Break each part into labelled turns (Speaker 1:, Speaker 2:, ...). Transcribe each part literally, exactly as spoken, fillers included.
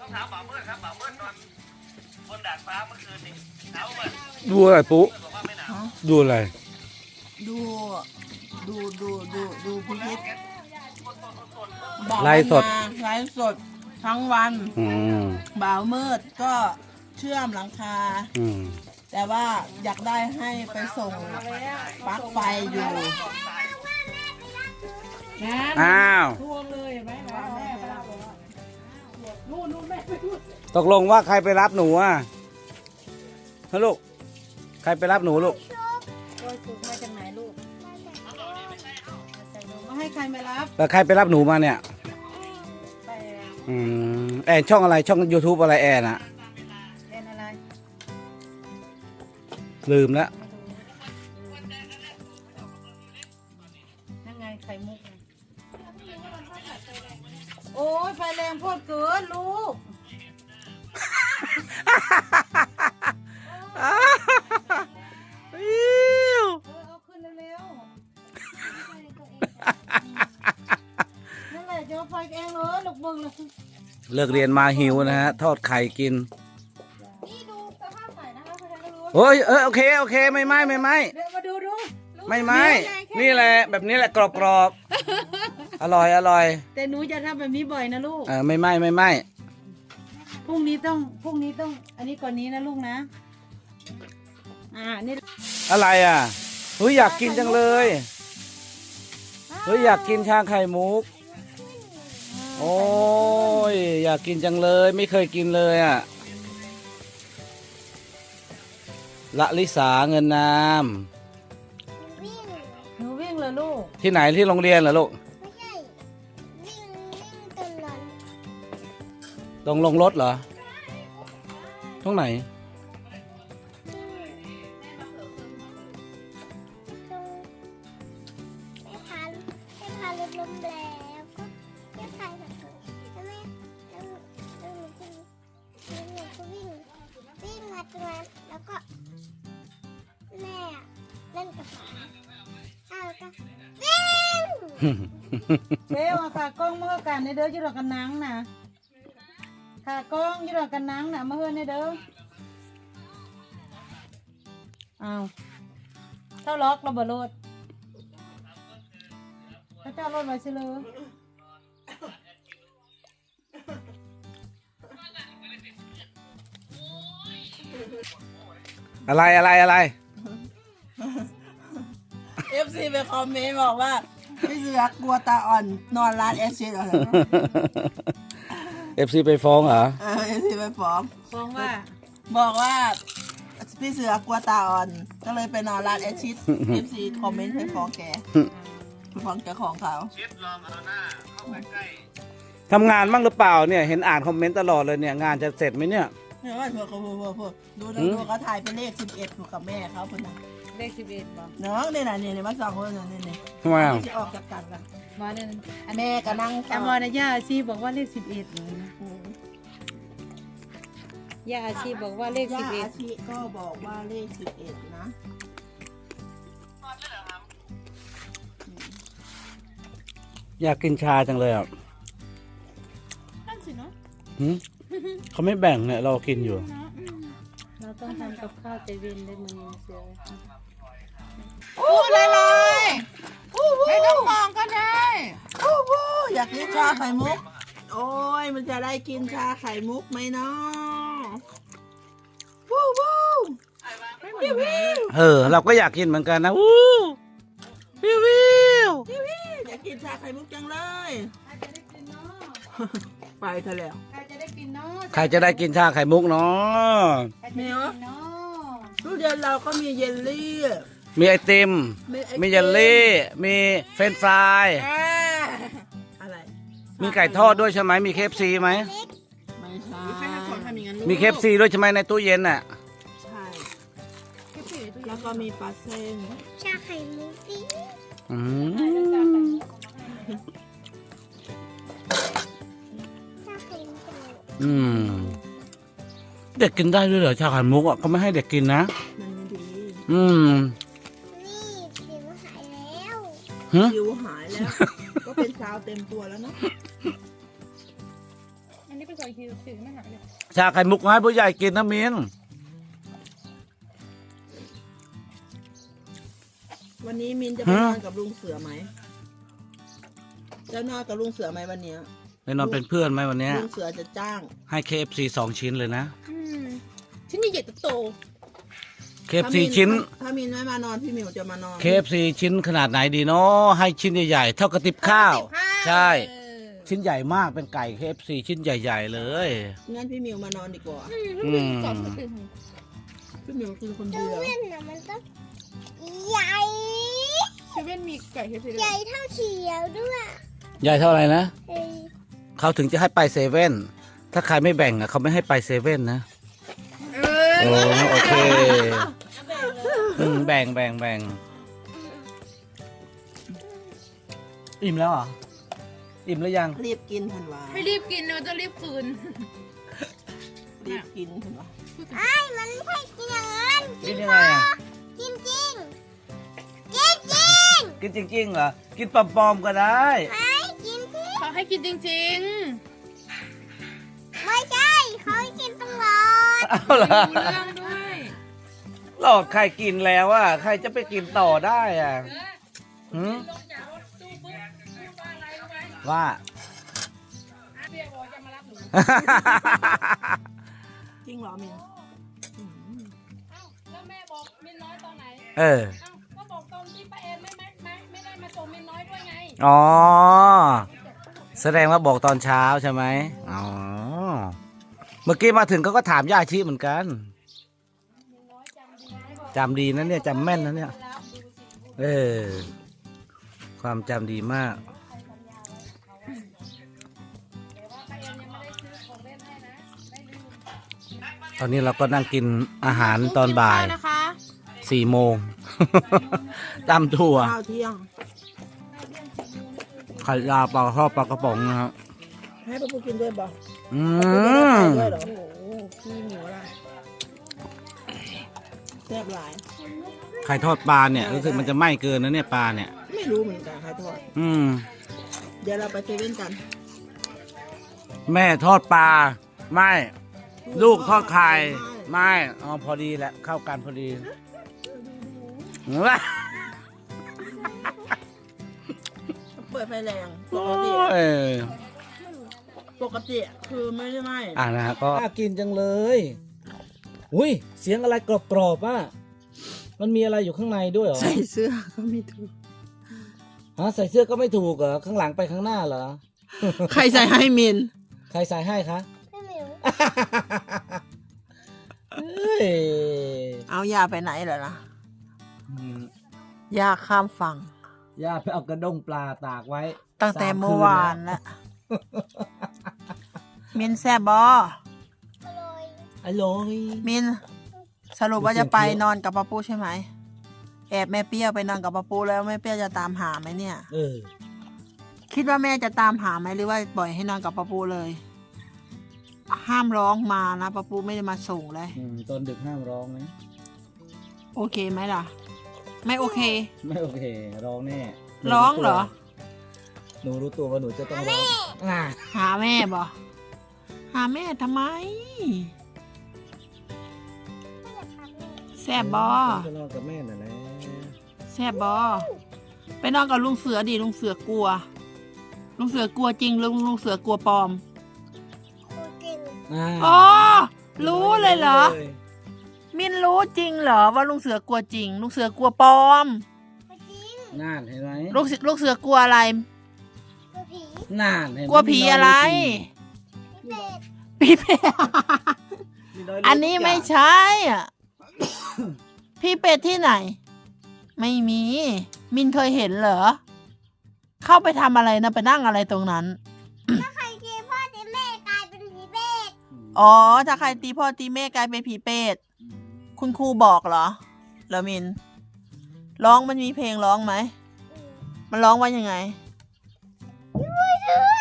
Speaker 1: ต้องถามบ่าวเมื่อครับบ่าวเมื่อนอนบนดาดฟ้าเมื่อคืนนี่หนาวไหม
Speaker 2: ดูอะไรปุ๊
Speaker 1: บอกว่าไม่หนาว
Speaker 2: ดูอะไร
Speaker 3: ดูดูดูดูดูพิพิธ
Speaker 2: ไลฟ์สด
Speaker 3: ไลฟ์สดทั้งวัน
Speaker 2: อืม
Speaker 3: บ่าวมืดก็เชื่อมหลังคา
Speaker 2: อืม
Speaker 3: แต่ว่าอยากได้ให้ไปส่งปลั๊กไฟอยู่
Speaker 2: อ้าวตกลงว่าใครไปรับหนูอ่ะฮะลูกใครไปรับหนูลูก
Speaker 4: โอ้ยถูกมาจากไหนลูกมาให้ใครมารับ
Speaker 2: แล้วใครไปรับหนูมาเนี่ย
Speaker 4: ไป
Speaker 2: อืมแอนช่องอะไรช่อง YouTube อะไรแอนอะ
Speaker 4: เล่นอะไร
Speaker 2: ลืมแล้ว
Speaker 4: นั่นไงไข่มุกไงโอ้ยไฟแรงโพดเกินลูก
Speaker 2: อิ๊ว
Speaker 4: เออเอาขึ้นเร็วๆนั่นแหละจะเอาไฟเองเลยลูกเบิ่งเลย
Speaker 2: เลิกเรียนมาหิวนะฮะ ทอดไข่กิน
Speaker 4: นี่ดูสภาพไข่นะคะคุณจะรู้
Speaker 2: โอ้ยเออโอเคโอเคไม่ไหมไม่ไหม
Speaker 4: เดี๋ยวมาดูดู
Speaker 2: ไม่ไหมนี่แหละแบบนี้แหละกรอบกรอบๆอร่อยอร่อย
Speaker 4: แต่หนูจะทำแบบนี้บ่อยนะลูก
Speaker 2: เออไม่ไหมไม่ไหม
Speaker 4: พรุ่งนี้ต้องพรุ่งนี้ต้อง อันนี้ก่อนนี้นะลูกนะ อ่า นี่
Speaker 2: อะไรอ่ะเฮ้ยอยากกินจังเลยเฮ้ยอยากกินชาไข่มุกโอ้ยอยากกินจังเลยไม่เคยกินเลยอ่ะละลิสาเงินนาม
Speaker 4: หนูวิ่งเลยลูก
Speaker 2: ที่ไหนที่โรงเรียนเหรอลูก
Speaker 5: ไม่ใช่วิ่งวิ่งตลอด
Speaker 2: ตรงลงรถเหรอตรงไหน
Speaker 5: ตรงไม่พาไม่พารถล้มแล้วก็ไม่พาแบบแล้วแม่แล้วแล้วหนูก็แล้วหนูก็วิ่งวิ่งมาตรงนั้นแล้วก็แม่เล่นกับหมาอ้าวแล้วก็วิ่ง
Speaker 4: เร็วอะค่ะกล้องมาเฮอกันในเด้ออยี่หลอกกันนังนะค่ะกล้องอยี่หลอกกันนังนะมาเฮอในเด้ออ้าวเจ้าล็อกระเบิดรถเขาเจ้ารถไว้สิเลย
Speaker 2: อะไรอะไรอะไร
Speaker 3: เอฟซีไปคอมเมนต์บอกว่าพี่เสือกลัวตาอ่อนนอนร้านแอชชิดเหรอ
Speaker 2: เอฟซีไปฟ้องเหรอ
Speaker 3: เออเอฟซีไปฟ้อง
Speaker 4: ฟ้องว่า
Speaker 3: บอกว่าพี่เสือกลัวตาอ่อน ก็เลยไปนอนร้านแอชชิดเอฟซีคอมเมนต์ให้ฟ้องแกไปฟ้องเจ้าของเขา
Speaker 1: ชิดลองเอาหน้าเข้าไปใกล้
Speaker 2: ทำงานบ้างหรือเปล่าเนี่ยเห็นอ่านคอมเมนต์ตลอดเลยเนี่ยงานจะเสร็จไหมเนี่ย
Speaker 3: เห็นว่าเผื่อเขาเผื่อเผื่อดูดูดูเขาถ่ายเป็นเลขสิบเอ็ดถูกกับแม่เขาคนนั้น
Speaker 4: เลขสิบเอ็ดบอก
Speaker 3: น้องเนี่ยนะเนี่ยมาสองคนนะเนี่ยเนี่ย
Speaker 2: ทำไมอ่ะ
Speaker 3: จะออกจากกันละ
Speaker 4: มาเนี่ย
Speaker 3: แม่ก็นั่ง
Speaker 4: แต่มอนะย่าอาชีบอกว่าเลขสิบเอ็ดเลยนะย่าอาชีบอกว่าเลข
Speaker 3: ย่า
Speaker 4: สิบเอ็ด
Speaker 3: อาชีก็บอกว่าเลขสิบเอ็ดนะ
Speaker 2: อยากกินชาจังเลยอ่ะ
Speaker 3: นั่นสิเนาะ
Speaker 2: หืมเขาไม่แบ่งเนี่ยเรากินอยู่
Speaker 4: เราต้องทำกับข้าวใจเย็นด้วยมือเสือ
Speaker 3: พูดเลยเลยไม่ต้องมองก็ได้พูดพูดอยากกินชาไข่มุก โอ้ยมันจะได้กินชาไข่มุกไหมเนาะพูดพูดวิววิว
Speaker 2: เออ เราก็อยากกินเหมือนกันนะวู้วิววิว
Speaker 3: อยากกินชาไข่มุกจังเลย
Speaker 4: ใครจะได้กินเนาะ
Speaker 3: ไปเถอะแล้ว
Speaker 4: ใครจะได้กินเนาะ
Speaker 2: ใครจะได้กินชาไข่มุกเนาะ
Speaker 4: ใครจะได้กินเนาะ
Speaker 3: ทุเรียนเราก็มีเยลลี่
Speaker 2: มีไอติม
Speaker 3: มีไอติม
Speaker 2: มีเยลลี่ มีเฟรนช์ฟราย
Speaker 3: อ่าอะไร
Speaker 2: มีไก่ทอดด้วยใช่ไหมมีเคฟซีไหม
Speaker 3: ไม่ใช่ใครทำของทำอย่างนั้น
Speaker 2: มีเคฟซีด้วยใช่ไหมในตู้เย็นน่ะ
Speaker 3: ใช่แล้วก็มีปลาเส้น
Speaker 5: ชาไข่มุกดิ
Speaker 2: อืม
Speaker 5: ชาไข่มุก
Speaker 2: อืมเด็กกินได้ด้วยเหรอชาไข่มุกอ่ะเขาไม่ให้เด็กกินนะ
Speaker 3: มันไม่ดี
Speaker 2: อืม
Speaker 5: นี่สิวหายแล้ว
Speaker 2: ฮะ
Speaker 3: คิวหายแล้ว ก็เป็นซาวเต็มตัวแล้วเนาะ
Speaker 4: อันนี้เป็น
Speaker 6: ก่อนคิวถือไม่หายเลย
Speaker 2: ชาไข่มุกให้ผู้ใหญ่กินนะมิน
Speaker 3: วันนี้มินจะไปนอนกับลุงเสือไหมจะนอนกับลุงเสือไหมวันเนี้ย
Speaker 2: ไปนอนเป็นเพื่อนไหมวันเนี้ย
Speaker 3: ลุงเสือจะจ้าง
Speaker 2: ให้ เค เอฟ ซี สองชิ้นเลยนะ
Speaker 6: ชิ้นใหญ่ๆโต
Speaker 2: เค เอฟ ซี ชิ้น
Speaker 3: ถ้ามินไม่มานอนพี่หมิวจะมานอน
Speaker 2: เค เอฟ ซี ชิ้นขนาดไหนดีเนาะให้ชิ้นใหญ่ๆเท่ากระติบข้าว ใช่ ชิ้นใหญ่มากเป็นไก่ เค เอฟ ซี ชิ้นใหญ่ๆเลย
Speaker 3: งั้นพี่หมิวมานอนดีกว่า
Speaker 2: อืม
Speaker 6: ก่อนอื่น
Speaker 3: พี่หมิวคือคน
Speaker 5: เซ
Speaker 3: เดียว
Speaker 5: เว่นน่ะมันต้องใหญ่
Speaker 6: เซเว่นมีไก่เฮฟ
Speaker 5: ใหญ่เท่าเขียวด้วย
Speaker 2: ใหญ่เท่าไหร่นะ
Speaker 5: เฮ้ย
Speaker 2: เขาถึงจะให้ไปเซเว่นถ้าใครไม่แบ่งอ่ะเขาไม่ให้ไปเซเว่นนะ
Speaker 6: เออ
Speaker 2: โอ้โอเคอืมแบ่งแบ่งแบ่งอิ่มแล้วเหรออิ่มแล้วยัง
Speaker 3: รีบกินทันวา
Speaker 6: ไม่รีบกินเราจะรีบคืน
Speaker 3: รีบกินทันวา
Speaker 5: ไอ้มันไม่ใช่กินอย่างนั้น
Speaker 2: กินยังไงอ่ะ
Speaker 5: จริงจริงจริงจริง
Speaker 2: กินจริงๆเหรอกินปลอมๆก็ได้
Speaker 5: ไอ้กินที่
Speaker 6: เขาให้กินจริง
Speaker 5: ไม่ใช่เขาให้กินตลอด
Speaker 2: เอาเหรอ
Speaker 6: ๆรู้เรื่องด้วย
Speaker 2: หลอกใครกินแล้วอ่ะใครจะไปกินต่อได้อ่ะหืมว่า
Speaker 3: จริงเหรอมิน
Speaker 6: แล้วแม่บอกมินน้อยตอนไหน
Speaker 2: เออ
Speaker 6: เอ้าก็บอกตอนที่ป้าเอ็มไม่ไม่ไม่ไม่ได้มาส่งมินน้อยด้วยไง
Speaker 2: อ๋อแสดงว่าบอกตอนเช้าใช่ไหมอ๋อเมื่อกี้มาถึงเขาก็ถามย่าชีเหมือนกันจำดีนะเนี่ยจำแม่นนะเนี่ยเออความจำดีมาก ตอนนี้เราก็นั่งกินอาหารตอนบ่ายสี่โมง ตำถั่ว
Speaker 3: ข้าวเที่ยง
Speaker 2: ไข่ดาวปลาทอดปลากระป๋องนะครับ
Speaker 3: ให้ป้าปูกินด้วยบ่
Speaker 2: อื
Speaker 3: ป้าปู
Speaker 2: ม
Speaker 3: ได้ด้วยเหรอโอ้โหพี่หมิวอะไรแซ่บหลาย
Speaker 2: ไข่ทอดปลาเนี่ยรู้สึกมันจะไหม้เกินนะเนี่ยปลาเนี่ย
Speaker 3: ไม่รู้เหมือนกันใครทอด
Speaker 2: อืม
Speaker 3: เดี๋ยวเราไปเซเว่นกัน
Speaker 2: แม่ทอดปลาไม่ลูกทอดไข่ไม่อ๋อพอดีแหละเข้ากันพอดี
Speaker 3: เปิดไฟแรงป
Speaker 2: โอ้
Speaker 3: กติ
Speaker 2: ย
Speaker 3: ปกติคือไม่ได้ไหม
Speaker 2: อ่านะฮะก็น่ากินจังเลยอุ้ยเสียงอะไรกรอบๆอ่ะมันมีอะไรอยู่ข้างในด้วยเหรอ
Speaker 3: ใส่เสื้อก็ไม่ถูก
Speaker 2: ฮะใส่เสื้อก็ไม่ถูกเหรอข้างหลังไปข้างหน้าเหรอ
Speaker 3: ใครใส่ให้มิน
Speaker 2: ใครใส่ให้คะ
Speaker 5: พี่หมิว
Speaker 2: เฮ้ย
Speaker 3: เอายาไปไหนเหรอนะ
Speaker 2: อืม
Speaker 3: ยาข้ามฝั่ง
Speaker 2: ย่าไปเอากระด้งปลาตากไว้
Speaker 3: ตั้งแต่
Speaker 2: สคื
Speaker 3: เมื่อวาน
Speaker 2: แล้
Speaker 3: แล้ว มินแซบบอ
Speaker 5: อร่อย
Speaker 2: อร่อย
Speaker 3: มิน สรุปว่าจะไปนอนกับป้าปูใช่ไหม แอบแม่เปรี้ยวไปนอนกับป้าปูแล้วแม่เปรี้ยวจะตามหาไหมเนี่ย
Speaker 2: เออ
Speaker 3: คิดว่าแม่จะตามหาไหมหรือว่าปล่อยให้นอนกับป้าปูเลย ห้ามร้องมานะป้าปูไม่ได้มาส่งเลย
Speaker 2: อืมตอนดึกห้ามร้องนะ
Speaker 3: โอเคไหมล่ะ ไม่โอเค
Speaker 2: ไม่โอเค ร้องแน่หนู
Speaker 3: ร้องเหรอ
Speaker 2: หนูรู้ตัวว่าหนูจะต้องร้องอ่า
Speaker 3: หาแม่บอหาแม่ทำไม แซบบอ
Speaker 2: จะนอนกับแม่น่ะนะ
Speaker 3: แซบบอไปนอนกับลุงเสือดิลุงเสือกลัว ลุงเสือกลัวจริงลุงลุงเสือกลัวปลอม
Speaker 5: ครูกิน
Speaker 2: อ่า
Speaker 3: อ๋อ รู้เลยเหรอ มินรู้จริงเหรอว่าลุงเสือกลัวจริง ลุงเสือกลัวปลอม
Speaker 5: ไม่จริง
Speaker 2: น่านเห็นไหม
Speaker 3: ลูกเสือลูกเสือกลัวอะไร
Speaker 5: กลัวผี
Speaker 2: น่านเห็นไหม
Speaker 3: กลัวผีอะไร
Speaker 5: พี่เป็ด
Speaker 3: พี่เป็ด
Speaker 2: มีน้ยรู้
Speaker 3: อันนี้ไม่ใช่อ่ะ พี่เป็ดที่ไหน ไม่มี มินเคยเห็นเหรอ เข้าไปทำอะไรนะไปนั่งอะไรตรงนั้น
Speaker 5: ถ้าใครตีพ่อตีแม่กลายเป็นผีเป็ด
Speaker 3: อ๋อ ถ้าใครตีพ่อตีแม่กลายเป็นผีเป็ด คุณครูบอกเหรอเหรอมิน ร้องมันมีเพลงร้องไหม มันร้องว่ายังไง
Speaker 5: ช่วยด้วย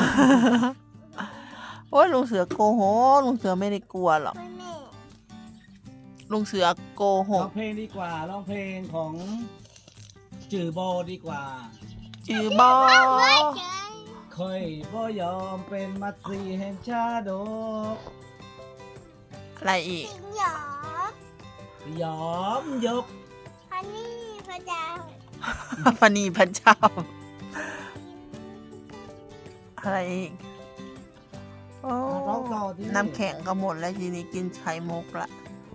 Speaker 3: โอ้ยลุงเสือโกหกลุงเสือไม่ได้กลัวหรอก
Speaker 5: แม่
Speaker 3: ลุงเสือโกห
Speaker 2: ร้อก งเพลงดีกว่าร้องเพลงของจือโบดีกว่า
Speaker 3: จือบอ
Speaker 5: เฮ้ยเจอ
Speaker 2: ขค่อยบ่ยอมเป็นมัดสีแห่งชาดก
Speaker 3: อะไรอีก
Speaker 5: สิงหยอย
Speaker 2: อมยก
Speaker 5: พันนี่พระเจ้า
Speaker 3: พนีพระเจ้า อะไรอีก โอ้
Speaker 2: ร้องต่อที่
Speaker 3: น้ำแข็งก็หมดแล้วทีนี้กินไข่มุกละ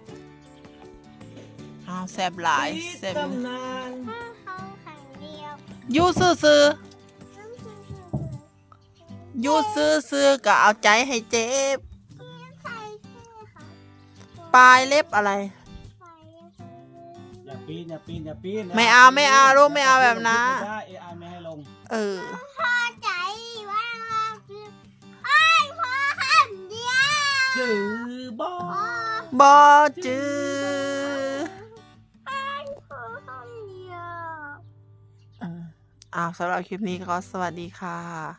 Speaker 3: อ้าวแซ่บหลายแซ่บ
Speaker 2: ตำนาน
Speaker 5: ถ้าเขาขังเดียว
Speaker 3: อยูซื้อซื้อ
Speaker 5: ซึ่งซึ่งซึ่ง
Speaker 3: ๆอยูซื้อซื้อๆก็เอาใจให้เจ็บ
Speaker 5: ใครชื่อเขา
Speaker 3: ปลายเล็บอะไร
Speaker 5: ใคร
Speaker 2: อย่าปีนอย่าปีนอย่าปีน
Speaker 3: ไม่เอาไม่เอาลูกไม่เอาแบบนั้น
Speaker 2: ไม่ได้เอไอไม่ให้ลง
Speaker 3: เออ
Speaker 5: พอใจว่าเราคือไอ้พอขันเดียว
Speaker 2: จือบอ
Speaker 3: บอจือ
Speaker 5: ไอ้พอขันเดียว
Speaker 3: อืมอ้าวสำหรับคลิปนี้ก็สวัสดีค่ะ